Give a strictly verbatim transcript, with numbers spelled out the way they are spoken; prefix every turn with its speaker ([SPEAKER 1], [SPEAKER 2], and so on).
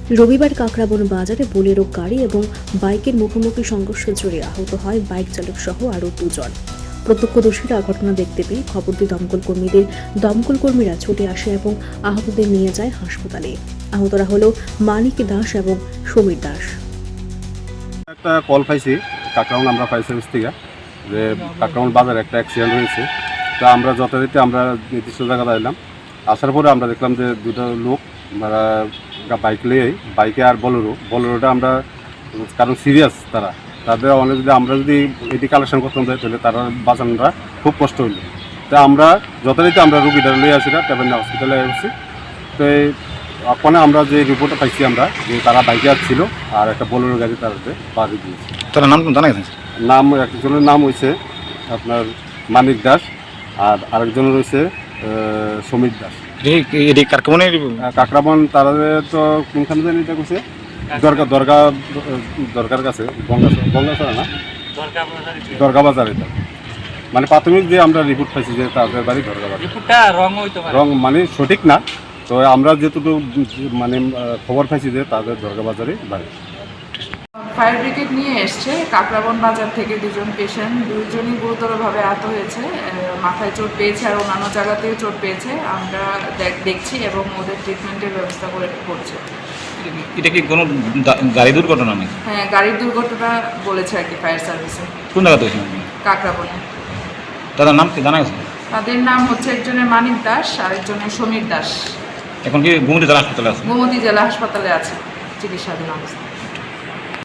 [SPEAKER 1] রবিবার কাকরাবন বাজারে বোলেরো গাড়ি এবং বাইকের মুখোমুখি সংঘর্ষে জড়িয়ে আহত হয় বাইক চালক সহ আরও দুজন। প্রত্যক্ষদর্শীরা ঘটনা দেখতে পেয়ে খবর দিয়ে দমকল কর্মীদের দমকল কর্মীরা ছুটে আসে এবং আহতদের নিয়ে যায় হাসপাতালে। আহতরা হল মানিক দাস এবং সমীর দাস।
[SPEAKER 2] একটা কল পাইছি কাকরাবন আমরা ফায়ার সার্ভিস থেকে যে কাকরাবন বাজারে একটা অ্যাক্সিডেন্ট হয়েছে। তো আমরা যথারীতি আমরা নির্দিষ্ট জায়গায় এলাম। আসার পরে আমরা দেখলাম যে দুটো লোক বাইক নিয়ে বাইকে আর বলেরো বলেরোটা আমরা কারণ সিরিয়াস তারা তাদের অনেক যদি আমরা যদি এটি কালেকশন করতাম যাই তাহলে তারা বাঁচানোটা খুব কষ্ট হইল। তো আমরা যথারীতি আমরা রুগীটা নিয়ে আসি না ট্যাবেন্ডা হসপিটালে আসছি। তো ওখানে আমরা যে রিপোর্টটা পাইছি আমরা যে তারা বাইকে আসছিল আর একটা বোলেরো গাড়ি তাদের বাড়ি দিয়েছে।
[SPEAKER 3] তার নাম জানা গেছে?
[SPEAKER 2] নাম একজনের নাম হয়েছে আপনার মানিক দাস আর আরেকজনের রয়েছে সমীর দাস। কাকরাবন তারা তো কোনখানে জানি এটা করছে দরগা দরগা দরগার কাছে গঙ্গা গঙ্গাছড়া না দরগা বাজার। এটা মানে প্রাথমিক যে আমরা রিপোর্ট পাইছি যে তাদের বাড়ি দরগা বাজার, রং মানে সঠিক না। তো আমরা যেটুকু মানে খবর পাইছি যে তাদের দরগা বাজারে বাড়ি।
[SPEAKER 4] ফায়ার ব্রিগেড নিয়ে এসছে কাকরাবন বাজার থেকে দুজন পেশেন্ট, দুইজনই গুরুতরভাবে আহত হয়েছে, মাথায় চোট পেয়েছে আর অন্যান্য জায়গাতেও চোট পেয়েছে। আমরা দেখছি এবং ওদের ট্রিটমেন্টের ব্যবস্থা করে করছে।
[SPEAKER 3] এটা কি কোনো গাড়ি দুর্ঘটনা নাকি?
[SPEAKER 4] হ্যাঁ, গাড়ির দুর্ঘটনা বলেছে আর কি ফায়ার সার্ভিসে।
[SPEAKER 3] কোন জায়গাতে হয়েছে?
[SPEAKER 4] কাকরাবনে।
[SPEAKER 3] তাদের নাম কি জানা গেছে?
[SPEAKER 4] তাদের নাম হচ্ছে একজনের মানিক দাস আর একজনের সমীর দাস।
[SPEAKER 3] এখন কি গোমতী জেলা হাসপাতালে আছে?
[SPEAKER 4] গোমতী জেলা হাসপাতালে আছে চিকিৎসাধীন অবস্থা।